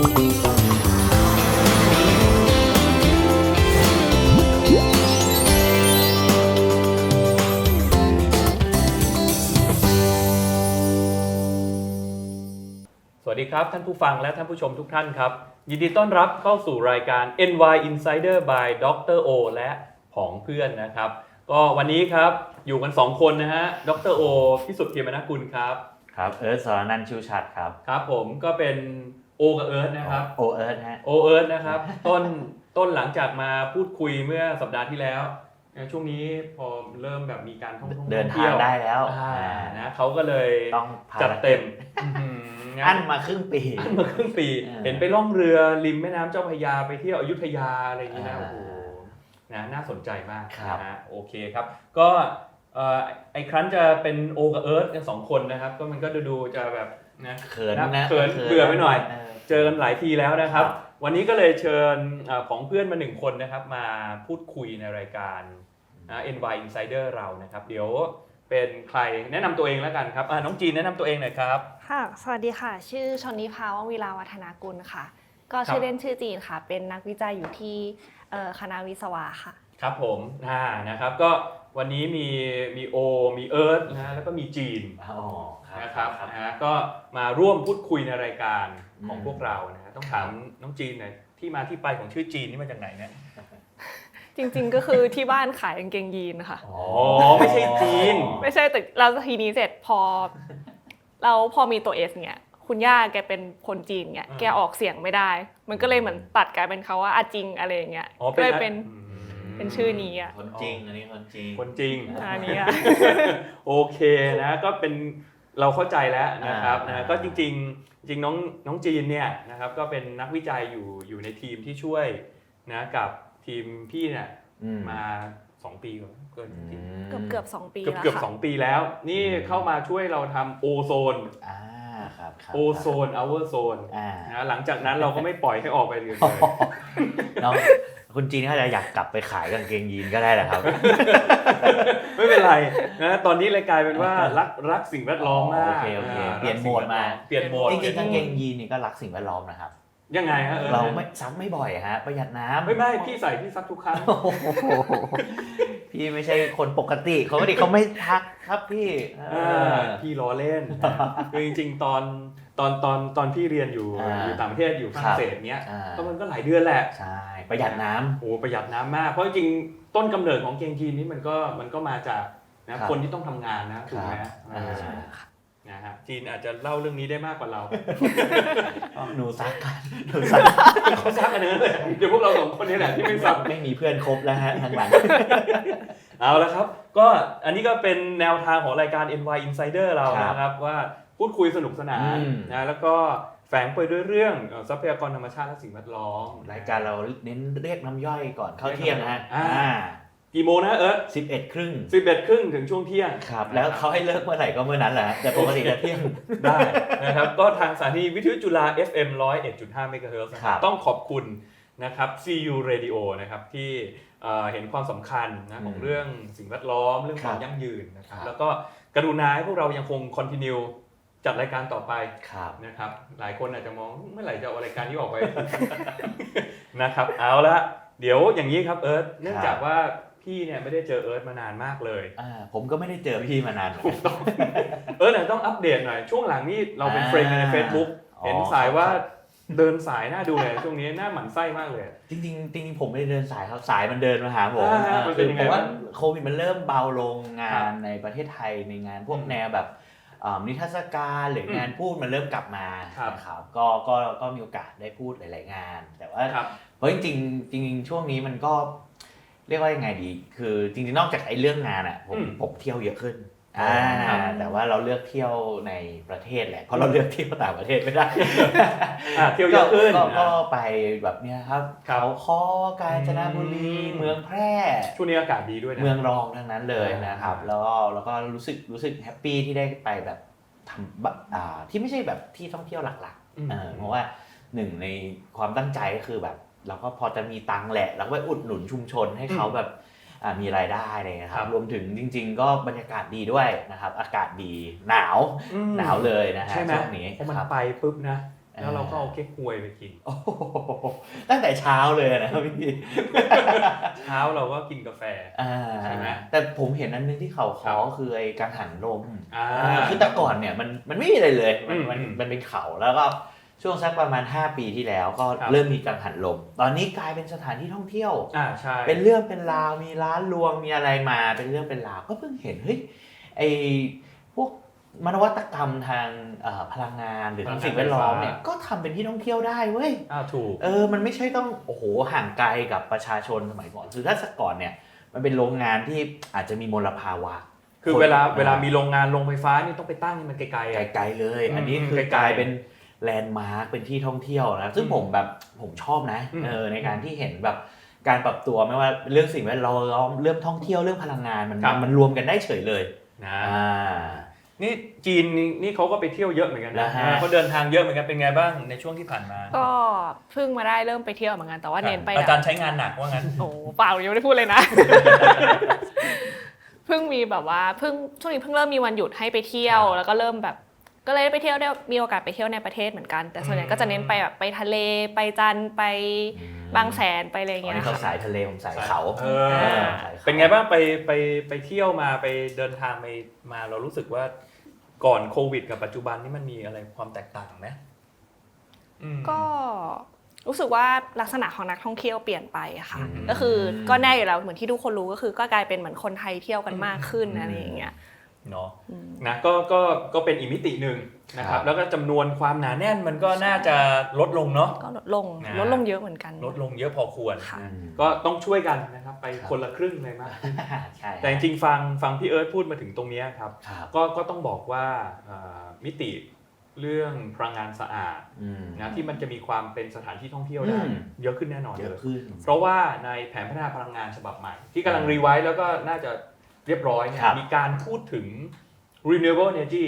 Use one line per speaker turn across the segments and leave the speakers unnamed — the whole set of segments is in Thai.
สวัสดีครับท่านผู้ฟังและท่านผู้ชมทุกท่านครับยินดีต้อนรับเข้าสู่รายการ NY Insider by Dr. O และผองเพื่อนนะครับก็วันนี้ครับอยู่กัน2คนนะฮะดร. O พิสุทธิ์เทียมนกุลครับ
ครับเอิร์ธสรนันท์ชูชัดครับ
ครับผมก็เป็นโอกับเอิร์ธนะครับ
โอเอิร์ธฮะ
โอเอิร์ธนะครับต้นหลังจากมาพูดคุยเมื่อสัปดาห์ที่แล้วช่วงนี้พอเริ่มแบบมีการท่อง
เดินทางได้แล้ว
นะเขาก็เลย
ต้อง
จัดเต็ม
อั้นมาครึ่งปี
เห็นไปล่องเรือริมแม่น้ำเจ้าพระยาไปเที่ยวอยุธยาอะไรอย่างนี้นะโอ้โหนะน่าสนใจมากนะฮะโอเคครับก็ไอ้ครั้นจะเป็นโอกับเอิร์ธกัน2คนนะครับก็มันก็ดูจะแบบนะ
เขิน
เบื่อไปหน่อยเจอกันหลายทีแล้วนะครับวันนี้ก็เลยเชิญของเพื่อนมา1คนนะครับมาพูดคุยในรายการNY Insider เรานะครับเดี๋ยวเป็นใครแนะนำตัวเองแล้วกันครับน้องจีนแนะนำตัวเองหน่อยครับ
ค่ะสวัสดีค่ะชื่อชนิภาว่องวีราวัฒนากุลค่ะก็ชื่อเล่นชื่อจีนค่ะเป็นนักวิจัยอยู่ที่คณะวิศวะค่ะ
ครับผมนะครับก็วันนี้มีโอมีเอิร์ธนะแล้วก็มีจีนนะครับก็มาร่วมพูดคุยในรายการของพวกเรานะต้องถามน้องจีนหน่อยที่มาที่ไปของชื่อจีนนี่มาจากไหนเนี่ย
จริงๆก็คือที่บ้านขายกางเกงยีนค่ะ
อ๋อไม่ใช่จีน
ไม่ใช่แต่เราทีนี้เสร็จพอมีตัว S เนี่ยคุณย่าแกเป็นคนจีนเนี่ยแกออกเสียงไม่ได้มันก็เลยเหมือนตัดกลายเป็นเขาว่าอาจิงอะไรอย่างเงี้ยก็เลยเป็นชื่อนี้อ่ะ
คนจริงอันนี้คนจริง
อันนี้อ่ะ
โอเคนะก็เป็นเราเข้าใจแล้วนะครับนะก็จริงน้องจีนเนี่ยนะครับก็เป็นนักวิจัยอยู่ในทีมที่ช่วยนะกับทีมพี่เนี่ยมา2 ปีเ
กือบ2 ปี
เกือบ2 ปีแล้วนี่เข้ามาช่วยเราทำโอโซนโอโซนอัลเวอร์โซนนะหลังจากนั้นเราก็ไม่ปล่อยให้ออกไปเลย
คุณจีนเขาจะอยากกลับไปขายกางเกงยีนก็ได้แหละครับ
ไม่เป็นไรนะตอนนี้เลยกลายเป็นว่ารักสิ่งแวดล้อมมาก
เปลี่ยนโหมดมาจริงๆกางเกงยีนนี่ก็รักสิ่งแวดล้อมนะครับ
ยังไงฮะ
เราไม่ซักไม่บ่อยฮะประหยัดน้ำ
ไม่พี่ใส่พี่ซักทุกครั้ง
พี่ไม่ใช่คนปกติเขาไม่ทักครับ
พี่ล้อเล่นคือจริงๆตอนพี่เรียนอยู่ต่างประเทศอยู่ฝรั่งเศสเนี้ยก็มันก็หลายเดือนแหละ
ใช่ประหยัดน้ำ
โอ้ประหยัดน้ำมากเพราะจริงๆต้นกำเนิดของเกงยีนนี้มันก็มาจากนะคนที่ต้องทำงานนะถูกไหมนะฮะจีนอาจจะเล่าเรื่องนี้ได้มากกว่าเรา
หนูซัก
เขาซักกันเลยเดี๋ยวพวกเรา2 คนนี้แหละที่ไม่ซัก
ไม่มีเพื่อนครบแล้วฮะทางหลัง
เอาละครับก็อันนี้ก็เป็นแนวทางของรายการ NY Insider เรานะครับว่าพูดคุยสนุกสนานนะแล้วก็แฝงไปด้วยเรื่องทรัพยากรธรรมชาติและสิ่งแวดล้อม
รายการเราเน้นเรียกน้ำย่อยก่อนเข้าเที่ยงนะฮะ
กี่โมงนะ11:30 ถึงช่วงเที่ยง
ครับแล้วเขาให้เลิกเมื่อไหร่ก็เมื่อนั้นแหละแต่ปกติจะเที่ยง
ได้นะครับก็ทางสถานีวิทยุจุฬา FM 101.5 เมกะเฮิรตซ์ต้องขอบคุณนะครับ CU Radio นะครับที่เห็นความสำคัญนะของเรื่องสิ่งแวดล้อมเรื่องความยั่งยืนนะครับแล้วก็กรุณาให้พวกเรายังคงคอนทินิวจัดรายการต่อไปนะครับหลายคนอาจจะมองเมื่อไหร่จะเอารายการที่ออกไปนะครับเอาละเดี๋ยวอย่างนี้ครับเอิร์ธเนื่องจากว่าพี่เนี่ยไม่ได้เจอเอิร์ธมานานมากเลย
ผมก็ไม่ได้เจอพี่มานาน
เอิร์ธต้องอัปเดตหน่อยช่วงหลังนี่เราเป็นเฟรนด์ใน Facebook เห็นสายว่าเดินสายน่าดูเลยช่วงนี้หน้าหมั่นไส้มากเลย
จริงผมไม่ได้เดินสายครับสายมันเดินมาหาผมคือผมว่าโควิดมันเริ่มเบาลงงานในประเทศไทยในงานพวกแนวแบบนิทรรศการหรืองานพูดมันเริ่มกลับมาครับก็มีโอกาสได้พูดหลายๆงานแต่ว่าเพราะจริงช่วงนี้มันก็เรียกว่ายังไงดีคือจริงๆนอกจากไอ้เรื่องงานอ่ะผมเที่ยวเยอะขึ้นแต่ว่าเราเลือกเที่ยวในประเทศแหละเพราะเราเลือกเที่ยวต่างประเทศไม่ได้
เที่ยวเยอะขึ้น
ก็ไปแบบเนี้ยครับเขาค้อกาญจนบุรีเมืองแพร่
ช่วงนี้อากาศดีด้วยนะ
เมืองรองทั้งนั้นเลยนะครับแล้วก็รู้สึกแฮปปี้ที่ได้ไปแบบทำที่ไม่ใช่แบบที่ท่องเที่ยวหลักๆเพราะว่าหนึ่งในความตั้งใจก็คือแบบเราก็พอจะมีตังค์แหละแล้วก็อุดหนุนชุมชนให้เขาแบบมีรายได้เลยนะครับรวมถึงจริงๆก็บรรยากาศดีด้วยนะครับอากาศดีหนาวเลยนะฮะช่วงนี้
พอมันไปปุ๊บนะแล้วเราก็เอาเก๊กฮวยไปกิน
โอ้โหตั้งแต่เช้าเลยนะครับพี่
เช้าเราก็กินกาแฟใช่ไหม
แต่ผมเห็นอันนึงที่เขาขอคือไอ้กังหันลม
อ่า
คือแต่ก่อนเนี่ยมันไม่มีอะไรเลยมัน
อืม
มันเป็นเขาแล้วก็ช่วงสักประมาณ5 ปีที่แล้วก็
ครับ
เริ่มมีกังหันลมตอนนี้กลายเป็นสถานที่ท่องเที่ยว
ใช่
เป็นเรื่องเป็นราวมีร้านรวงมีอะไรมาเป็นเรื่องเป็นราวก็เพิ่งเห็นเฮ้ยไอพวกนวัตกรรมทางพลังงานหรือทางสิ่งแวดล้อมเนี่ยก็ทำเป็นที่ท่องเที่ยวได้เว้ย
ถูก
มันไม่ใช่ต้องโอ้โหห่างไกลกับประชาชนสมัยก่อนคือถ้าก่อนเนี่ยมันเป็นโรงงานที่อาจจะมีมลภาวะ
คือเวลามีโรงงานโรงไฟฟ้านี่ต้องไปตั้งมันไกลๆ
ไกลๆเลยอันนี้คือกลายเป็นแลนด์มาร์คเป็นที่ท่องเที่ยวนะซึ่งผมชอบนะในการที่เห็นแบบการปรับตัวไม่ว่าเรื่องสิ่งแวดล้อมเรื่องท่องเที่ยวเรื่องพลังงานมันรวมกันได้เฉยเลย
นะนี่จีนนี่เขาก็ไปเที่ยวเยอะเหมือนกันนะเขาเดินทางเยอะเหมือนกันเป็นไงบ้างในช่วงที่ผ่านมา
ก็เพิ่งมาได้เริ่มไปเที่ยวเหมือนกันแต่ว่าเน้นไป
อาจารย์ใช้งานหนักว่างั้น
โอ้เปล่ายังไม่ได้พูดเลยนะ เพิ่งมีแบบว่าช่วงนี้เพิ่งเริ่มมีวันหยุดให้ไปเที่ยวแล้วก็เริ่มแบบก็เลยไปเที่ยวได้มีโอกาสไปเที่ยวในประเทศเหมือนกันแต่ส่วนใหญ่ก็จะเน้นไปแบบไปทะเลไปจันทร์ไปบางแสนไปอะไรอย่างเงี้ย
เขาสายทะเลผมสายเขา
เป็นไงบ้างไปเที่ยวมาไปเดินทางมาเรารู้สึกว่าก่อนโควิดกับปัจจุบันนี่มันมีอะไรความแตกต่างไหม
ก็รู้สึกว่าลักษณะของนักท่องเที่ยวเปลี่ยนไปอะค่ะก็คือก็แน่อยู่แล้วเหมือนที่ทุกคนรู้ก็คือก็กลายเป็นเหมือนคนไทยเที่ยวกันมากขึ้นอะไรอย่างเงี้ย
เนาะนะก็เป็นอีกมิติหนึ่งนะครับแล้วก็จำนวนความหนาแน่นมันก็น่าจะลดลงเนาะ
ก็ลดลงเยอะเหมือนกัน
ลดลงเยอะพอควรก็ต้องช่วยกันนะครับไปคนละครึ่งเลยมากแต่จริงๆฟังพี่เอิร์ธพูดมาถึงตรงนี้ครับก็ต้องบอกว่ามิติเรื่องพลังงานสะอาดนะที่มันจะมีความเป็นสถานที่ท่องเที่ยวได้เยอะขึ้นแน่นอนเลยเพราะว่าในแผนพัฒนาพลังงานฉบับใหม่ที่กำลังรีไวซ์แล้วก็น่าจะเรียบร้อยเนี่ยมีการพูดถึง renewable energy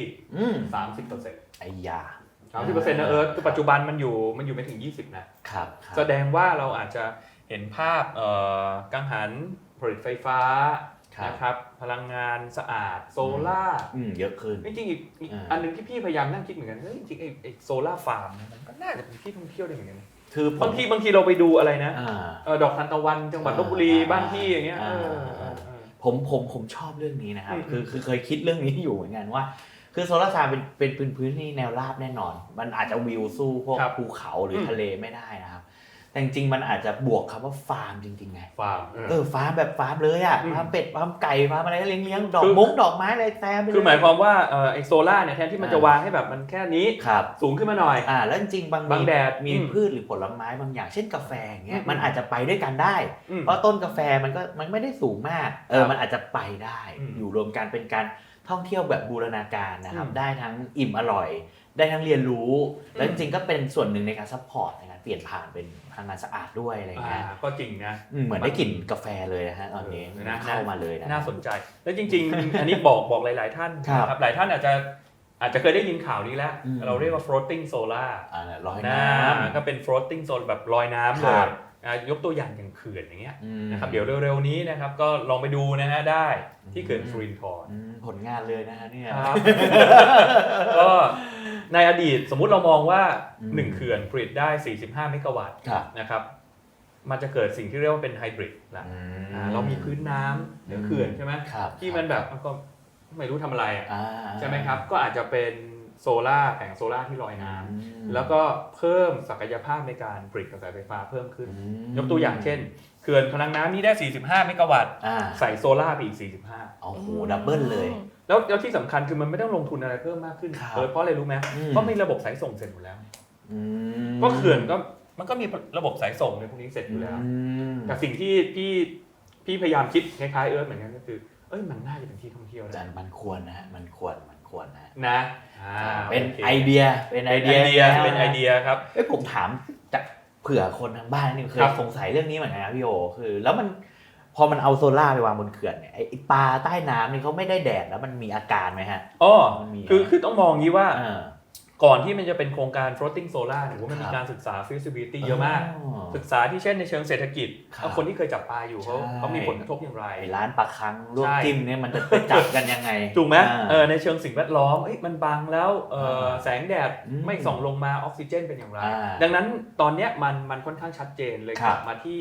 30%
ไอ้ยา
30% นะคือปัจจุบันมันอยู่ไม่ถึง20นะครับแสดงว่าเราอาจจะเห็นภาพกังหันผลิตไฟฟ้านะครับพลังงานสะอาดโซล่า
เยอะขึ้น
จริงๆอีกอันนึงที่พี่พยายามนั่งคิดเหมือนกันจริงๆไอ้โซล่าฟาร์มมันก็น่าจะเป็นที่ท่องเที่ยวได้เหมือนกัน
คือบ
างทีเราไปดูอะไรนะดอกทานตะวันจังหวัดลพบุรีบ้านพี่อย่างเงี้ย
ผมชอบเรื่องนี้นะครับคือเคยคิดเรื่องนี้อยู่เหมือนกันว่าคือโซลาร์ซาร์เป็นพื้นที่แนวราบแน่นอนมันอาจจะวิวสู้พวกภูเขาหรือทะเลไม่ได้นะครับแต่จริงๆมันอาจจะบวกคำว่าฟาร์มจริงๆไง
ฟาร์ม
ฟาร์มแบบฟาร์มเลยอ่ะฟาร์มเป็ดฟาร์มไก่ฟาร์มอะไรเลี้ยงดอกดอกไม้อะไรแซมไปเลย
คือหมายความว่าไอโซล่าเนี่ยแทนที่มันจะวางให้แบบมันแค่นี้สูงขึ้นมาหน่อย
แล้วจริงๆบางแดดมีพืชหรือผลไม้บางอย่างเช่นกาแฟอย่างเงี้ยมันอาจจะไปด้วยกันได้เพราะต้นกาแฟมันไม่ได้สูงมากมันอาจจะไปได้อยู่รวมกันเป็นการท่องเที่ยวแบบบูรณาการนะครับได้ทั้งอิ่มอร่อยได้ทั้งเรียนรู้แล้วจริงๆก็เป็นส่วนหนึ่งในการซัพพอร์ตในการเปลี่ยนผ่านเป็นพลังงานสะอาดด้วยอะไรเงี้ย
ก็จริงนะ
เหมือนได้กลิ่นกาแฟเลยนะฮะตอนนี้เข้ามาเลยนะ
น่าสนใจแล้วจริงๆอันนี้บอกหลายๆท่านนะครับหลายท่านอาจจะเคยได้ยินข่าวนี้แล้วเราเรียกว่า floating solar
ลอยน้
ำก็เป็น floating solar แบบลอยน้ำเลยยกตัวอย่างอย่างเขื่อนอย่างเงี้ยนะครับเดี๋ยวเร็วๆนี้นะครับก็ลองไปดูนะฮะได้ที่เขื่อนสิรินธร
ผลงานเลยนะฮะเนี่ย
ก็ในอดีตสมมุติเรามองว่า1เขื่อนผลิตได้45เมกะวัตต์นะครับมันจะเกิดสิ่งที่เรียกว่าเป็นไฮบริดละเรามีพื้นน้ำเหนือเขื่อนใช่ไหมที่มันแบบก็ไม่รู้ทำอะไรใช่ไหมครับก็อาจจะเป็นโซล่าแผงโซล่าที่ลอยน้ำแล้วก็เพิ่มศักยภาพในการผลิตกระแสไฟฟ้าเพิ่มขึ้นยกตัวอย่างเช่นเขื่อนพลังน้ำนี้ได้45เมกะวัตต์ใส่โซล่าไปอีก45
โอ้โหดับเบิลเลย
แล้วที่สำคัญคือมันไม่ต้องลงทุนอะไรเพิ่มมากขึ้นเพราะอะไรรู้ไหมเพราะมีระบบสายส่งเสร็จหมดแล้วก็เขื่อนก็มันก็มีระบบสายส่งในพวกนี้เสร็จอยู่แล้วแต่สิ่งที่พี่พยายามคิดคล้ายๆเหมือนกันก็คือมันน่าจะเป็นที่ท่องเที่ยว
นะมันควรนะมันควร
นะ
เป็นไอเดีย
ครับ
ผมถามจากเผื่อคนทางบ้านนี่เคยสงสัยเรื่องนี้เหมือนกันนะพี่โอคือแล้วมันพอมันเอาโซล่าไปวางบนเขื่อนเนี่ยไอปลาใต้น้ำนี่เขาไม่ได้แดดแล้วมันมีอาการไหมฮะ
คือต้องมองงี้ว่าก่อนที่มันจะเป็นโครงการ floating solar เนี่ยมันมีการศึกษา feasibility เยอะมากศึกษาที่เช่นในเชิงเศรษฐกิจคนที่เคยจับปลาอยู่เขามีผลกระทบอย่างไร
ร้านปลาคังลวกจิ้มเนี่ยมันจะไปจับกันยังไง
ถูกไหมในเชิงสิ่งแวดล้อมมันบังแล้วแสงแดดไม่ส่องลงมาออกซิเจนเป็นอย่างไรดังนั้นตอนเนี้ยมันค่อนข้างชัดเจนเลยกลับมาที่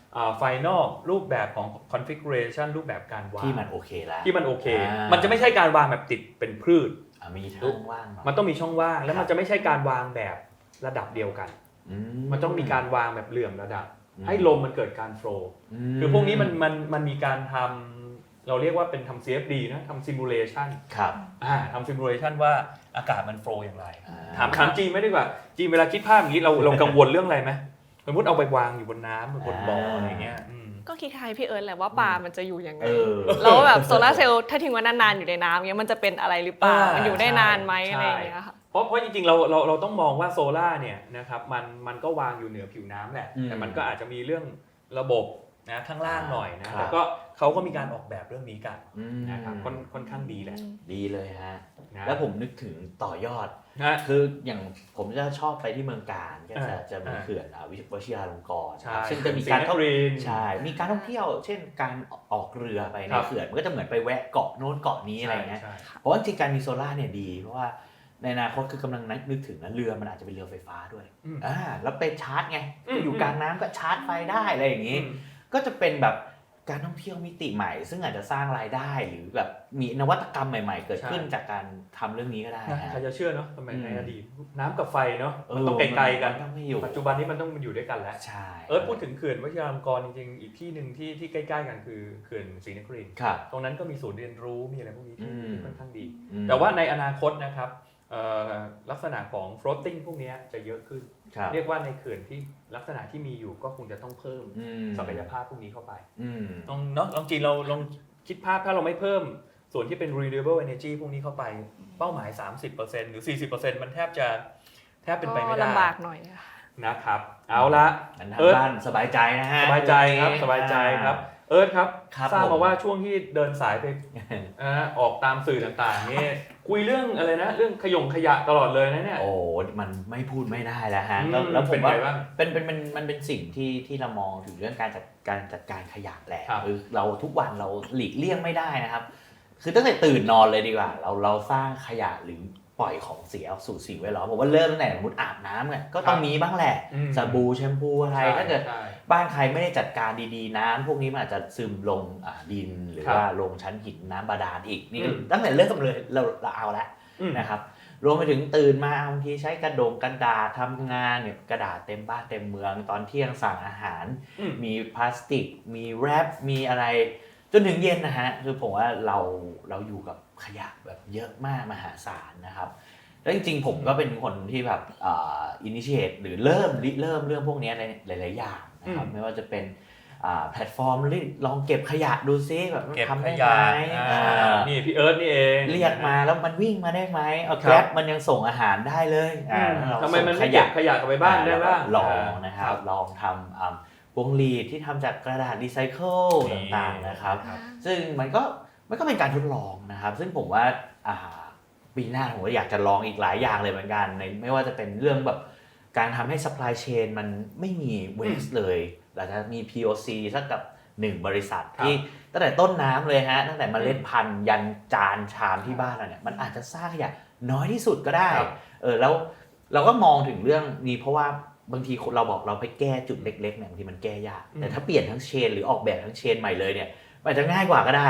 final รูปแบบของ configuration รูปแบบการวาง
ที่มันโอเคแล้ว
ที่มันโอเคมันจะไม่ใช่การวางแบบติดเป็นพืช
มีช่องว่าง
มันต้องมีช่องว่างแล้วมันจะไม่ใช่การวางแบบระดับเดียวกันมันต้องมีการวางแบบเหลื่อมระดับให้ลมมันเกิดการโฟลว์คือพวกนี้มันมีการทำเราเรียกว่าเป็นทำ CFD นะทำ simulation
ครับ
ทำ simulation ว่าอากาศมันโฟลว์อย่างไรถามจีนไม่ดีกว่าจีนเวลาคิดภาพอย่างนี้เรากังวลเรื่องอะไรไหมสมมติเอาไปวางอยู่บนน้ำบนบ่ออะไรเงี้ย
ก็คิดคล้ายพี่เอิร์ธแหละว่าปลามันจะอยู่ยังไงแล้วแบบโซลาร์เซลล์ถ้าทิ้งไว้นานๆอยู่ในน้ำเงี้ยมันจะเป็นอะไรหรือเปล่ามันอยู่ได้นานไหมอะไรอย่างเงี้ยค่ะ
เพราะจริงๆเราต้องมองว่าโซล่าเนี่ยนะครับมันก็วางอยู่เหนือผิวน้ำแหละแต่มันก็อาจจะมีเรื่องระบบนะข้างล่างหน่อยนะแล้วก็เขาก็มีการออกแบบเรื่องนี้กันนะครับค่อนข้างดีแหละ
ดีเลยฮะแล้วผมนึกถึงต่อยอดคืออย่างผมจะชอบไปที่เมืองการก็จะมีเขื่อนวชิราลงกรณ์ซึ่งจะมีการท่องใช่มีการท่องเที่ยวเช่นการออกเรือไปในเขื่อนมันก็จะเหมือนไปแวะเกาะโน้นเกาะนี้อะไรเงี้ยเพราะว่าจริงการมีโซล่าเนี่ยดีเพราะว่าในอนาคตคือกำลังนึกถึงนะเรือมันอาจจะเป็นเรือไฟฟ้าด้วยแล้วไปชาร์จไงอยู่กลางน้ำก็ชาร์จไฟได้อะไรอย่างนี้ก็จะเป็นแบบการท่องเที่ยวมิติใหม่ซึ่งอาจจะสร้างรายได้หรือแบบมีนวัตกรรมใหม่ๆเกิดขึ้นจากการทำเรื่องนี้ก็ได้
ใครจะเชื่อเนาะสมัยในอดีตน้ำกับไฟเนาะมันต้องไกลๆกันปัจจุบันนี้มันต้องอยู่ด้วยกันแล้วพูดถึงเขื่อนวชิราลงกรณ์จริงๆอีกที่หนึ่งที่ใกล้ๆกันคือเขื่อนศรีนครินทร์ตรงนั้นก็มีศูนย์เรียนรู้มีอะไรพวกนี้ที่ค่อนข้างดีแต่ว่าในอนาคตนะครับลักษณะของ floating พวกนี้จะเยอะขึ้นเรียกว่าในเขื่อนที่ลักษณะที่มีอยู่ก็คงจะต้องเพิ่มศักยภาพพวกนี้เข้าไปลองจีนเราลองคิดภาพถ้าเราไม่เพิ่มส่วนที่เป็น renewable energy พวกนี้เข้าไปเป้าหมาย 30% หรือ 40% มันแทบเป็นไปไม่ได้
ลำบากหน่อย
นะครับเอาละ
บ้านสบายใจนะฮะ
สบายใจครับสบายใจครับครับทราบมาว่าช่วงที่เดินสายไปออกตามสื่อต่างๆนี่คุยเรื่องอะไรนะเรื่องขยะตลอดเลยนะเนี่ย
โอ้มันไม่พูดไม่ได้แล้วฮะแล้วผมว่ามันเป็นสิ่งที่เรามองถึงเรื่องการจัดการขยะแหละคือเราทุกวันเราหลีกเลี่ยงไม่ได้นะครับคือตั้งแต่ตื่นนอนเลยดีกว่าเราสร้างขยะหรือปล่อยของเสียสู่สิ่งแวดล้อมผมว่าเริ่มตั้งแต่สมมติอาบน้ำเนี่ยก็ต้องมีบ้างแหละสบู่แชมพูอะไรถ้าเกิดบ้านใครไม่ได้จัดการดีๆน้ำพวกนี้มันอาจจะซึมลงดินหรือว่าลงชั้นหินน้ำบาดาลอีกนี่ตั้งแต่เริ่มเลยเราเอาละนะครับรวมไปถึงตื่นมาบางทีใช้กระดาษทำงานเนี่ยกระดาษเต็มบ้านเต็มเมืองตอนเที่ยงสั่งอาหารมีพลาสติกมีแรปมีอะไรจนถึงเย็นนะฮะคือผมว่าเราอยู่กับขยะแบบเยอะมากมหาศาลนะครับแล้วจริงๆผมก็เป็นคนที่แบบinitiate หรือเริ่มเรื่องพวกนี้ในหลายๆอย่างนะครับไม่ว่าจะเป็นแพลตฟอร์มลองเก็บขยะดูซิแบบทำได้ไหม
นี่พี่เอิร์ธนี่เอง
เรียกมาแล้วมันวิ่งมาได้ไหมเอาแกร็บมันยังส่งอาหารได้เลย
ทำไมมันไม่เก็บขยะกลับไปบ้านได้บ้าง
ลองนะครับลองทำพวงหลีดที่ทำจากกระดาษรีไซเคิลต่างๆนะครับซึ่งมันก็เป็นการทดลองนะครับซึ่งผมว่าปีหน้าผมก็อยากจะลองอีกหลายอย่างเลยเหมือนกันในไม่ว่าจะเป็นเรื่องแบบการทำให้ supply chain มันไม่มี waste เลยหลังจากมี POC สักกับ1บริษัทที่ตั้งแต่ต้นน้ำเลยฮะตั้งแต่เมล็ดพันธุ์ยันจานชามที่บ้านเราเนี่ยมันอาจจะสร้างขยะน้อยที่สุดก็ได้แล้วเราก็มองถึงเรื่องนี้เพราะว่าบางทีเราบอกเราไปแก้จุดเล็กๆเนี่ยบางทีมันแก้ยากแต่ถ้าเปลี่ยนทั้งเชนหรือออกแบบทั้งเชนใหม่เลยเนี่ยมันจะง่ายกว่าก็ได้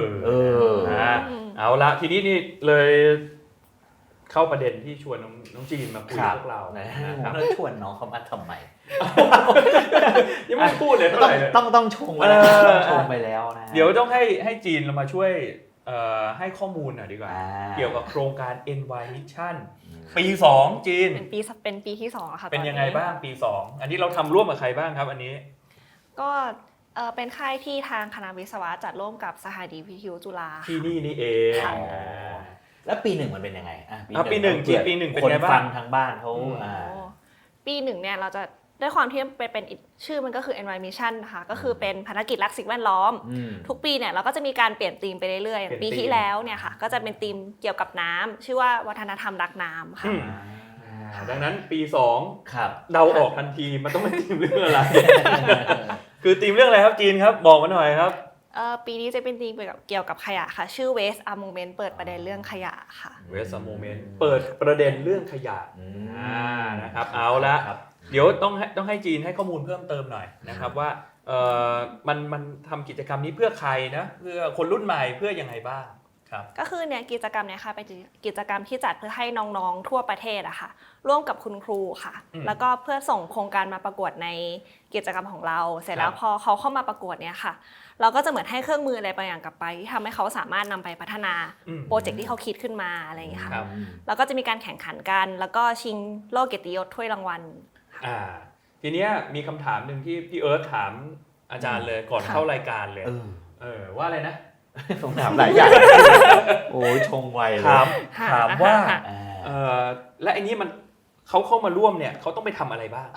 เอาละทีนี้นี่เลยเข้าประเด็นที่ชวนน้องจีนมาคุยกับพวกเรา
นะครับชวนน้องเขามาทำไม
ยังไม่พูดเลยเท่าไหร่
ต้องชงไปแล้วนะ
เดี๋ยวต้องให้จีนเรามาช่วยให้ข้อมูลหน่อยดีกว่าเกี่ยวกับโครงการ NY Mission ปี2จีน
เป็นปีที่2ค่ะ
เป็นยังไงบ้างปี2อันนี้เราทำร่วมกับใครบ้างครับอันนี้
ก็เป็นค่ายที่ทางคณะวิศวะจัดร่วมกับสถานีวิทยุจุฬา
ที่นี่เอง
แล้วปี1มันเป็นยังไง
ปี1เป็นไงบ้าง
คนฟังทางบ้านเขา
ปี1เนี่ยเราจะด้วยความที่เป็นชื่อมันก็คือ NY Mission นะคะก็คือเป็นภารกิจรักสิ่งแวดล้อมทุกปีเนี่ยเราก็จะมีการเปลี่ยนธีมไปเรื่อยๆปีที่แล้วเนี่ยค่ะก็จะเป็นธีมเกี่ยวกับน้ำชื่อว่าวัฒนธรรมรักน้ำค่ะ
ดังนั้นปี
ครับ
2เดาออกทันทีมันต้องเป็นทีมเรื่องอะไร คือทีมเรื่องอะไรครับจีนครับบอกมาหน่อยครับ
ปีนี้จะเป็นธีมเกี่ยวกับขยะค่ะ ชื่อ Waste a Moment เปิดประเด็นเรื่องขยะค่ะ
Waste a Moment เปิดประเด็นเรื่องขยะนะครับเอาละเดี๋ยวต้องให้จีนให้ข้อมูลเพิ่มเติมหน่อยนะครับว่ามันทำกิจกรรมนี้เพื่อใครนะเพื่อคนรุ่นใหม่เพื่อยังไงบ้างครับ
ก็คือเนี่ยกิจกรรมเนี่ยค่ะเป็นกิจกรรมที่จัดเพื่อให้น้องๆทั่วประเทศอะค่ะร่วมกับคุณครูค่ะแล้วก็เพื่อส่งโครงการมาประกวดในกิจกรรมของเราเสร็จแล้วพอเขาเข้ามาประกวดเนี่ยค่ะเราก็จะเหมือนให้เครื่องมืออะไรบางอย่างกลับไปที่ทำให้เขาสามารถนำไปพัฒนาโปรเจกต์ที่เขาคิดขึ้นมาอะไรอย่างเงี้ยค่ะแล้วก็จะมีการแข่งขันกันแล้วก็ชิงโล่เกียรติยศถ้วยรางวัล
ทีเนี้ยมีคำถามหนึ่งที่พี่เอิร์ธถามอาจารย์เลยก่อนเข้ารายการเลยว่าอะไรนะ
ผมถามหลายอย่างโอ้ยชงไวเลย
ถามว่าและไอ้นี้มันเขาเข้ามาร่วมเนี่ยเขาต้องไปทำอะไรบ้าง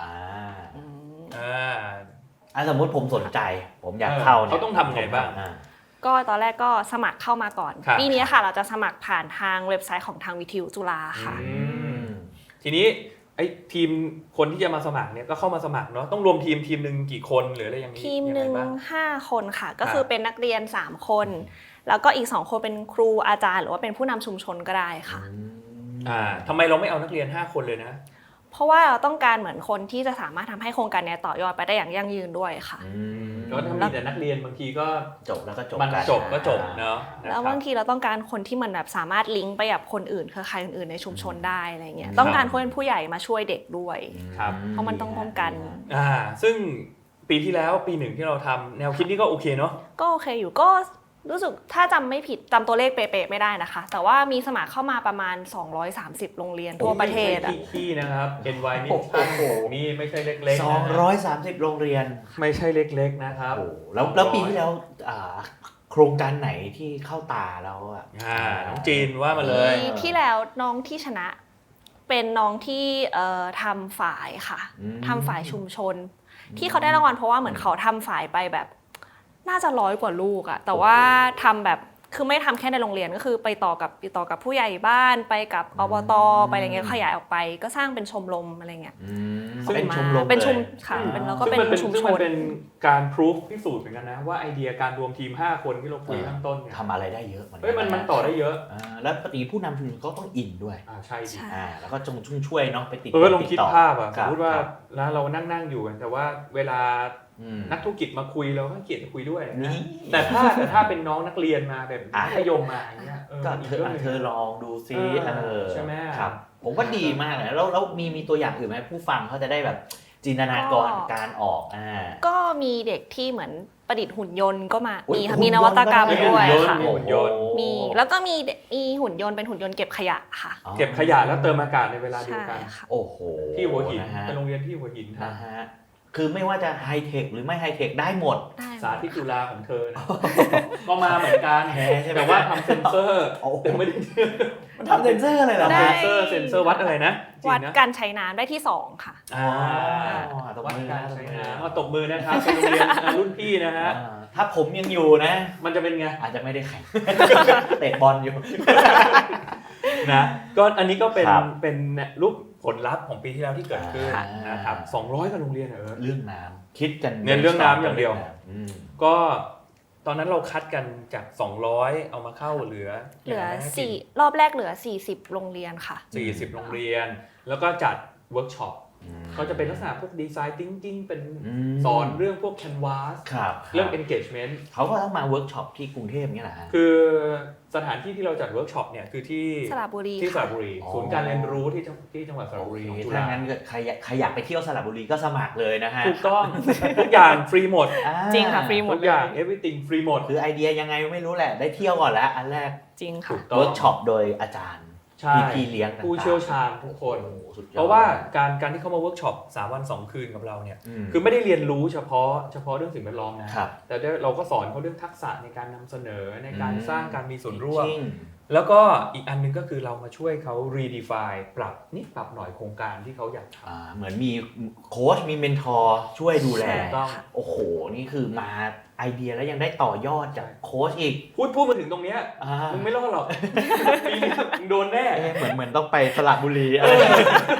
สมมติผมสนใจผมอยากเข้าเนี่ย
เขาต้องทำไงบ้าง
ก็ตอนแรกก็สมัครเข้ามาก่อนปีนี้ค่ะเราจะสมัครผ่านทางเว็บไซต์ของทางวิทยุจุฬาค่ะ
ทีนี้ไอ้ทีมคนที่จะมาสมัครเนี่ยก็เข้ามาสมัครเนาะต้องรวมทีมนึงกี่คนหรืออะไรอย่างนี้
ทีมนึง5 คนค่ะก็คือเป็นนักเรียน3 คนแล้วก็อีก2 คนเป็นครูอาจารย์หรือว่าเป็นผู้นำชุมชนก็ได้ค่ะ
ทำไมเราไม่เอานักเรียน5 คนเลยนะ
เพราะว่าเราต้องการเหมือนคนที่จะสามารถทำให้โครงการนี้ต่อยอดไปได้อย่างยั่งยืนด้วยค่ะ
ก็ถ้ามีแต่นักเรียนบางทีก็
จบแล้วก็จบ
มันจบก็จบเนาะ
แล้วบางทีเราต้องการคนที่มันแบบสามารถลิงก์ไปกับคนอื่นเครือข่ายอื่นๆในชุมชนได้อะไรเงี้ยต้องการคนเป็นผู้ใหญ่มาช่วยเด็กด้วยเพราะมันต้องป้องกัน
ซึ่งปีที่แล้วปี1ที่เราทำแนวคิดนี้ก็โอเคเนาะ
ก็โอเคอยู่ก็รู้สึกถ้าจำไม่ผิดจำตัวเลขเป๊ะๆไม่ได้นะคะแต่ว่ามีสมัครเข้ามาประมาณ230โรงเรียนทั่วประเทศ
ที่นะครับ NY นี่นี่ไม่ใช่เล็ก
ๆ230โรงเรียน
ไม่ใช่เล็กๆนะครับ
แล้วปีที่แล้วโครงการไหนที่เข้าตาแล้ว
น้องจีนว่ามาเลย
ที่แล้วน้องที่ชนะเป็นน้องที่ทำฝ่ายค่ะทำฝ่ายชุมชนที่เขาได้รางวัลเพราะว่าเหมือนเขาทำฝ่ายไปแบบน่าจะ100 กว่าลูกอะแต่ว่าทำแบบคือไม่ทำแค่ในโรงเรียนก็คือไปต่อกับผู้ใหญ่บ้านไปกับอบตไปอะไรเงี้ยขยายออกไปก็สร้างเป็นชมรมอะไรเงี้ย
เป็นชมรม
เป็นชุมค่ะแล้วก็เป็นชุมชน
เป็นการพิสูจพิสูจน์เหมือนกันนะว่าไอเดียการรวมทีม5 คนที่เราคุยข้างต้นเนี่ย
ทำอะไรได้เยอะ
มันต่อได้เยอะ
แล้วปกติผู้นำชุมชนก็ต้องอินด้วย
ใช่สิ
แล้วก็จงช่วยเนาะไปติด
ลองคิดภาพอ่ะสมมติว่าแล้วเรานั่งอยู่กันแต่ว่าเวลานักธุรกิจมาคุยเราก็เกลียดจะคุยด้วยแต่ถ้าเป็นน้องนักเรียนมาแบบมัธยมมาอย่างเงี้ย
ก็เธอลองดูซิ
ใช่ไหม
ครับผมว่าดีมากเลยแล้วมีตัวอย่างอื่นไหมผู้ฟังเขาจะได้แบบจินตนาการออก
ก็มีเด็กที่เหมือนประดิษฐ์หุ่นยนต์ก็มีค่ะมีนวัตกรรมด้วยค่ะมีแล้วก็มีหุ่นยนต์เป็นหุ่นยนต์เก็บขยะค่ะ
เก็บขยะแล้วเติมอากาศในเวลาเดียวกัน
โอ้โห
ที่หัวหินเป็นโรงเรียนที่หัวหิน
นะฮะคือไม่ว่าจะไฮเทคหรือไม่ไฮเทคได้หมด
สาธิตจุฬาของเธอก็มาเหมือนกันแต่ว่าทำเซ็นเซอร์แต่ไม่ได้
มันทำเซ็นเซอร์อะไรเหรอ
เซ็นเซอร์วัดอะไรนะ
วัดการใช้น้ำได้ที่2ค่ะ
วัดการใช้น้ำมาตบมือนะครับเป็นโรงเรียนรุ่นพี่นะฮะ
ถ้าผมยังอยู่นะ
มันจะเป็นไง
อาจจะไม่ได้แข่งเตะบอลอยู่
นะก็อันนี้ก็เป็นรูปผลลัพธ์ของปีที่แล้วที่เกิดขึ้นนะครับ200 กว่าโรงเรียน
เรื่องน้ำคิดกัน
เรื่องน้ำอย่างเดียวก็ตอนนั้นเราคัดกันจาก200เอามาเข้าเหลือ
4รอบแรกเหลือ40โรงเรียนค่ะ
40โรงเรียนแล้วก็จัดเวิร์กช็อปเขาจะเป็นลักษณะพวกดีไซน์ทิงๆเป็นสอนเรื่องพวก Canvas เรื่อง engagement
เขาก็ต้องมาเวิร์กช็อปที่กรุงเทพนี่แหละ
คือสถานที่ที่เราจัดเวิร์กช็อปเนี่ยคือที่
สระบุรี
ศูนย์การเรียนรู้ที่จังหวัดสระบุรี
ถ้างั้นใครอยากไปเที่ยวสระบุรีก็สมัครเลยนะฮะ
ถูกต้องทุกอย่างฟรีหมด
จริงค่ะฟรีหมด
ทุกอย่าง everything ฟรีหมด
คือไอเดียยังไงไม่รู้แหละได้เที่ยวก่อนแล้วอันแรก
จริงค่ะ
เวิร์กช็อปโดยอาจารย์พี่เลี้ยง
ผู้เชี่ยวชาญทุกคนเพราะว่าการที่เข้ามาเวิร์กช็อป3 วัน 2 คืนกับเราเนี่ยคือไม่ได้เรียนรู้เฉพาะเรื่องสิ่งแวดล้อมนะแต่เราก็สอนเขาเรื่องทักษะในการนำเสนอในการสร้างการมีส่วนร่วมแล้วก็อีกอันนึงก็คือเรามาช่วยเขา redefine ปรับนิดปรับหน่อยโครงการที่เขาอยากท
ำเหมือนมีโค้ชมีเมนทอร์ช่วยดูแลโอ้โหนี่คือมาไอเดียแล้วยังได้ต่อยอดจากโค้ชอีก
พูดมาถึงตรงเนี้ยมึงไม่รอดหรอกปีนี้มึงโดนแน่
เหมือนต้องไปสระบุรีอะไร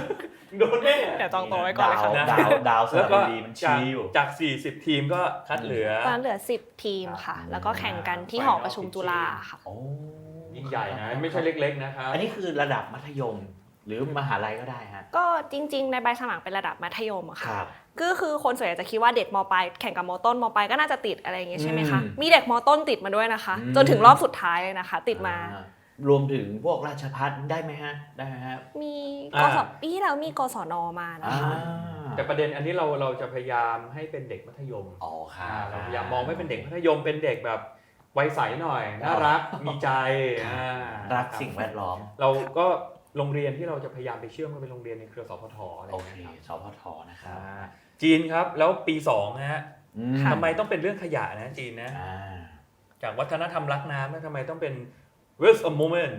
โดนแน่
เดี๋ยวจองตัวไว้ก่อนเลยค่ะ
ดาวส
แล้ว
ระ
ก็
บุรีมันชี้อยู่
จาก40ทีมก็คัดเหลือ
ตอนเหลือ10ทีมค่ะ แล้วก็แข่งกันที่หอประชุมจุฬาค่ะ
โอ้
ยิ่งใหญ่นะไม่ใช่เล็กๆนะครับ
อันนี้คือระดับมัธยมหรือมหาลัยก็ได้ฮะ
ก็จริงๆในใบสมัครเป็นระดับมัธยมอะ
ค
ค่ะ
รับ
ก็คือคนส่วนใหญ่จะคิดว่าเด็กมปลายแข่งกับมต้นมปลายก็น่าจะติดอะไรอย่างเงี้ยใช่ไหมคะ มีเด็กมต้นติดมาด้วยนะคะ จนถึงรอบสุดท้ายเลยนะคะ ติดมา
รวมถึงพวกราชภัฏได้ไหมฮะได้ไหมฮะ
มีกศปีที่แล้วมีกศนมานะคะ
แต่ประเด็นอันนี้เราจะพยายามให้เป็นเด็กมัธยม
อ๋อค่ะ
เราพยายามมองไม่เป็นเด็กมัธยมเป็นเด็กแบบวัยใสหน่อยน่ารักมีใจ
รักสิ่งแวดล้อม
เราก็โรงเรียนที่เราจะพยายามไปเชื่อมก็เป็นโรงเรียนในเครือสพทอะไรอ
โอย่าง เค
เงี้ยครับ
สพทนะครับ
จีนครับแล้วปี2นะฮะ
ค่ะ
ทำไมต้องเป็นเรื่องขยะนะจีนนะ
อ่า
จากวัฒนธรรมรักน้ำแล้วทำไมต้องเป็น waste a moment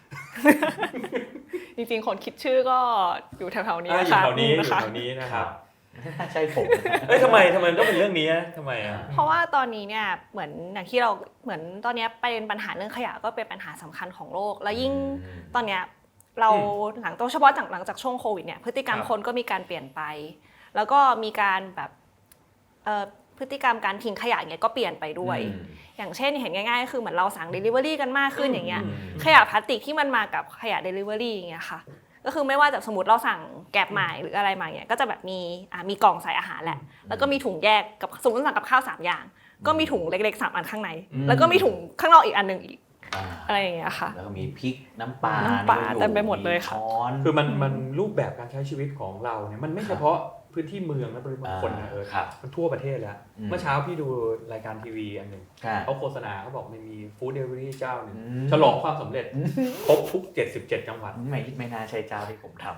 จริงๆคนคิดชื่อก็อยู่แถวๆนี้
อยู่
นะคะ
แถวนี้อยู่
นะคะ
แถวนี้นะครับ
ใช่ผม
เอ้ยทำไมต้องเป็นเรื่องนี้อะทำไมอ่ะ
เพราะว่าตอนนี้เนี่ยเหมือนอย่างที่เราเหมือนตอนนี้ประเด็นปัญหาเรื่องขยะก็เป็นปัญหาสำคัญของโลก แล้วยิ่งตอนเนี้ยเราหลังเฉพาะหลังจากช่วงโควิดเนี่ยพฤติกรรม
ครับ
คนก็มีการเปลี่ยนไป แล้วก็มีการแบบพฤติกรรมการทิ้งขยะเนี่ยก็เปลี่ยนไปด้วย อย่างเช่นเห็นง่ายๆก็คือเหมือนเราสั่ง Delivery กันมากขึ้นอย่างเงี้ยขยะพลาสติกที่มันมากับขยะ Delivery อย่างเงี้ยค่ะก็คือไม่ว่าจะสมมติเราสั่งแกร็บมาหรืออะไรมาเนี่ยก็จะแบบมีกล่องใส่อาหารแหละแล้วก็มีถุงแยกกับสมมติสั่งกับข้าว3อย่างก็มีถุงเล็กๆ3อันข้างในแล้วก็มีถุงข้างนอกอีกอันนึงอีกอะไรอย่างเงี้ยค่ะ
แล้วก็มีพริกน้ำปลา
เต็มไปหมดเลยค่ะ
ช้อน
คือมันรูปแบบการใช้ชีวิตของเราเนี่ยมันไม่เฉพาะพื้นที่เมืองและปริมณฑลนะ
ครับ
มันทั่วประเทศแล้ว เมื่อเช้าพี่ดูรายการทีวีอันหนึ่ง
ครับ
เขาโฆษณาเขาบอกมันมีฟู้ดเดลิเวอรี่เจ้าหนึ่ง
อืม
ฉลองความสำเร็จครบทุก77จังหวัด
ไม่น่าใช่เจ้าที่ผมท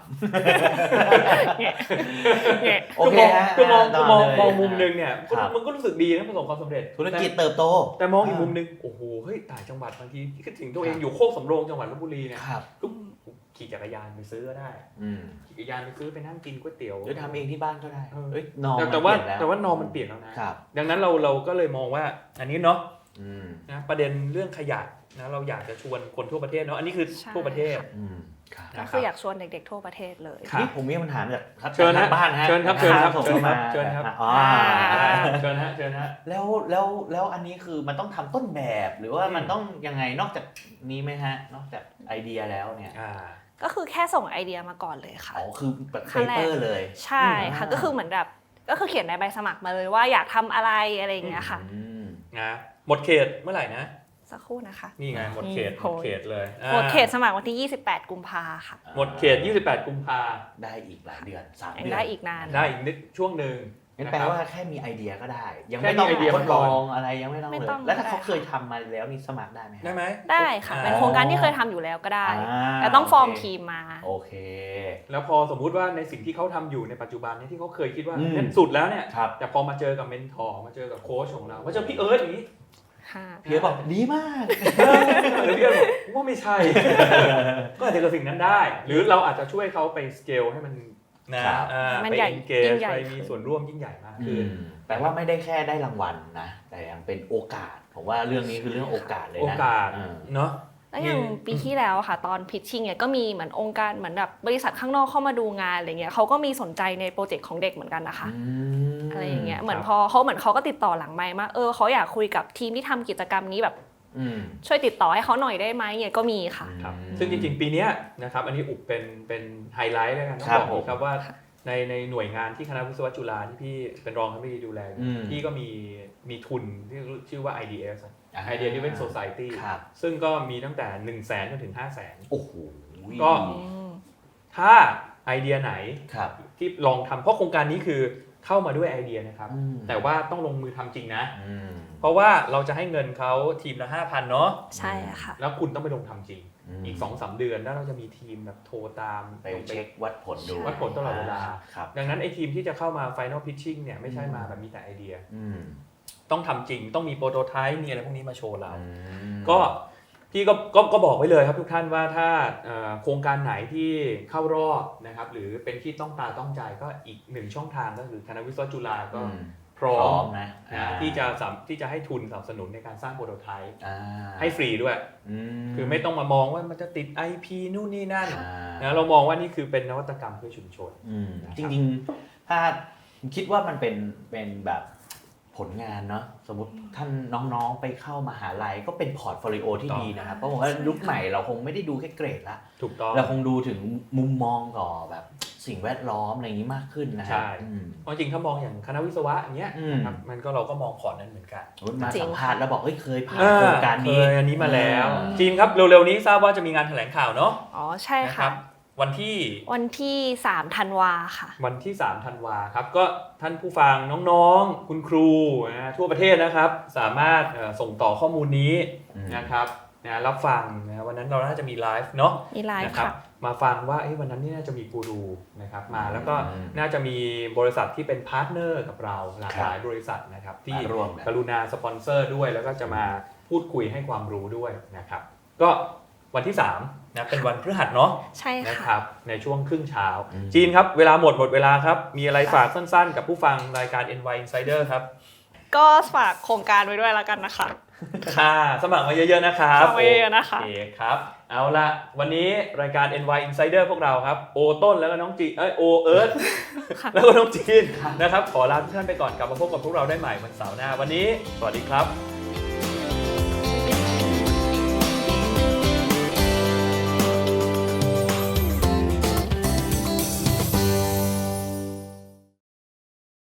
เนี่ย
ำโอเคฮะ
คือมอง
ต่
มอง
เลย
มองมุมหนึงเนี่ย
ครับ
มันก็รู้สึกดีนะประสบความสำเร็จ
ธุรกิจเติบโต
แต่มองอีกมุมหนึงโอ้โหเฮ้ยต่างจังหวัดบางทีคิดถึงตัวเองอยู่โคกสำโรงจังหวัดลบบุรีเนี่ย
ครับ
ก็ขี่จักรยานไปซื้อก็ได้
อืม
ขี่จักรยานไปซื้อไปนั่งกินก๋วยเตี๋ยว
หรือทำเองที่บ้านก็ได้
เออ
เอ้ยนอน
แต่ว่า
เปลี่ยนแล้ว
แต่ว่านอมันเปลี่ยนแล้วนะ
ครับ
ดังนั้นเราก็เลยมองว่าอันนี้เนาะ
อืม
นะประเด็นเรื่องขยะนะเราอยากจะชวนคนทั่วประเทศเนาะอันนี้คือ
ใช่
ทั่วประเทศ
อืมครับ
ก็คืออยากชวนเด็กๆทั่วประเทศเลย
ครับ
นี่ผมมีคำถามจากครับ
เชิญฮะ
จากทางบ้านฮะ
เชิญครับเชิญครับ
ส่ง
เชิญ
เข้า
ครับ
มา
เชิญครับ
อ๋อ
เชิญฮะ
แล้วอันนี้คือมันต้องทำต้นแบบหรือว่ามัน
อืม
ต้องยังไงนอกจากนี้ไหมฮะ นอกจากไอเดียแล้วเนี่ย
ก็คือแค่ส่งไอเดียมาก่อนเลยค่ะ
อ๋อคือแบบ
ขั้
เป
นแรก
เปอร์เลย
ใช่ค่ะ
อ่า
ก็คือเหมือนแบบก็คือเขียนในใบสมัครมาเลยว่าอยากทำอะไรอะไรอย่างเงี้ยค่ะ
อืม
นะหมดเขตเมื่อไหร่นะ
สักครู่นะคะ
นี่ไงหมดเขต
นี่
หมดเขตเลย
หมดเขตสมัครวันที่ 28 กุมภาค่ะ
หมดเขต28กุมภา
ได้อีกหลายเดือน3
ยัง
เดือน
ได้อีกนาน
ได้อีกนิดช่วงหนึ่ง
งั้น
นะ
แปล
ครับ
ว่าแค่มีไอเดียก็ได้ ยัง
แค่
ไม่ต้อง
มีไอเดีย
ทดล
ก่อน
องอะไรยังไม่ต้อง
ไม่
เลย
ต้อง
แล้วถ้าเขา
ได้ค่ะ
เคยทำมาแล้วนี่สมัครได้ไหมฮะ
ได้ไหม
ได้ค่ะ เป็นโครงการที่เคยทำอยู่แล้วก็ได้
อ่า
แต่ต้องฟอร์มทีมมา
โอเค
แล้วพอสมมุติว่าในสิ่งที่เขาทำอยู่ในปัจจุบันเนี่ยที่เขาเคยคิดว่า
อืม
เนี่ยสุดแล้วเนี่ย
ครับ
แต่พอมาเจอกับเมนทอร์มาเจอกับโค้ชของเรามาเจอพี่เอิร์ธอย่างนี้
ค่ะ
พี่เอ๋บอกดีมาก
หรือพี่เอิร์ธบอกว่าไม่ใช่ ก็อาจจะเกิดสิ่งนั้นได้ หรือเราอาจจะช่วยเขาไปสเกลให้มันนะครับ
มัน
ไป
ใหญ่
อินเก
ยิ่
จ
งใหญ่
ไปมีส่วนร่วมยิ่งใหญ่มากขึ้น
แปลว่าไม่ได้แค่ได้รางวัลนะ แต่ยังเป็นโอกาส ผมว่าเรื่องนี้คือเรื่องโอกาสเลยนะ
โอกาส
อืม
เนาะ
แล้วอย่างปีที่แล้วค่ะ ตอนพิชชิ่งเนี่ยก็มีเหมือนองค์การเหมือนแบบบริษัทข้างนอกเข้ามาดูงานอะไรเงี้ยเขาก็มีสนใจในโปรเจกต์ของเด็กเหมือนกันนะคะ อะไรอย่างเงี้ยเหมือนพอเขาก็ติดต่อหลังไมค์มาเขาอยากคุยกับทีมที่ทำกิจกรรมนี้แบบ
อืม
ช่วยติดต่อให้เขาหน่อยได้ไหมเนี่ยก็มีค่ะ
ครับซึ่งจริงๆ ปีเนี้ยนะครับอันนี้อุบเป็นไฮไลท์แล้วกันต้อง
ครับ
บอกอีกครับว่าในหน่วยงานที่คณะวิศวะจุฬาที่พี่เป็นรองคณบดีดูแลอยู่
อืม
พี่ก็มีทุนที่ชื่อว่า IDS
อ่า
Idea Driven Society
ครับ
ซึ่งก็มีตั้งแต่ 1 0 0 0 0แสนจนถึง 5 0 0แสน
โอ้โห
ก็ ถ้าไอเดียไหน
ครับ
ที่ลองทำเพราะโครงการนี้คือเข้ามาด้วยไอเดียนะครับ
อืม
แต่ว่าต้องลงมือทำจริงนะ
อืม
เพราะว่าเราจะให้เงินเขาทีมละ 5,000 เนาะ
ใช่ค่ะ
แล้วคุณต้องไปลงทำจริง อีก 2-3 เดือนแล้วเราจะมีทีมแบบโทรตาม
ไปเช็ควัดผลดู
วัดผลตลอดเวลา
ครับ
ดังนั้นไอ้ทีมที่จะเข้ามา Final Pitching เนี่ยไม่ใช่มาแบบมีแต่ไอเดีย
อืม
ต้องทำจริง ต้องมีโปรโตไทป์มีอะไรพวกนี้มาโชว์เรา
อืม
ก็พี่ก็บอกไว้เลยครับทุกท่านว่าถ้าโครงการไหนที่เข้ารอบนะครับหรือเป็นที่ต้องตาต้องใจก็อีกหนึ่งช่องทางก็คือคณะวิศวะจุฬาก็พร้อม
นะ
ที่จะให้ทุนสนับสนุนในการสร้างโปรโตไทป์
อ่า
ให้ฟรีด้วย คือไม่ต้องมามองว่ามันจะติด IP นู่นนี่นั่นนะเรามองว่านี่คือเป็นนวัตกรรมเพื่อชุมชน
จริงๆถ้าคิดว่ามันเป็นแบบผลงานเนาะสมมติท่านน้องๆไปเข้ามหาลัยก็เป็นพอร์ตโฟลิโอที่ดีนะครับเพราะผมว่ายุคใหม่เราคงไม่ได้ดูแค่เกรดละ
ถูกต้อง
เราคงดูถึงมุมมองต่อแบบสิ่งแวดล้อมอะไรอย่างนี้มากขึ้นนะ
ใช่เพราะจริงถ้ามองอย่างคณะวิศวะอย่างเงี้ยนะครับมันก็เราก็มองพอร์ตนั้นเหมือนกัน
มาสัมภาษณ์แล้วบอกเคยผ่านโครงการนี้
อันนี้มาแล้วจีนครับเร็วๆนี้ทราบว่าจะมีงานแถลงข่าวเนาะ
อ๋อใช่ค่ะ
วันที่
3 ธันวาค่ะ
วันที่3 ธันวาครับก็ท่านผู้ฟังน้องๆคุณครูทั่วประเทศนะครับสามารถส่งต่อข้อมูลนี้นะครับรับฟังนะวันนั้นเราน่าจะมีไลฟ์เนาะ
มีไลฟ์ค่ะ
มาฟังว่าวันนั้นนี่น่าจะมีกูรูนะครับมาแล้วก็น่าจะมีบริษัทที่เป็นพาร์ทเนอร์กับเราหลากหลายบริษัทนะครับที่กรุณาสปอนเซอร์ด้วยแล้วก็จะมาพูดคุยให้ความรู้ด้วยนะครับก็วันที่3นะเป็นวันพฤหัสเนาะ
ใช่ค่ะ
นะครับในช่วงครึ่งเช้าจีนครับเวลาหมดเวลาครับมีอะไรฝากสั้นๆกับผู้ฟังรายการ NY Insider ครับ
ก็ฝากโครงการไว้ด้วยแล้วกันนะคะ
ค่ะสมัครมาเยอะๆนะครับ
สมัครมาเยอะๆนะคะ
โอเคครับเอาละวันนี้รายการ NY Insider พวกเราครับโอต้นแล้วก็น้องจีโอเอิร์ธแล้วก็น้องจีนนะครับขอลาทุกท่านไปก่อนกลับมาพบกับพวกเราได้ใหม่วันเสาร์หน้าวันนี้สวัสดีครับ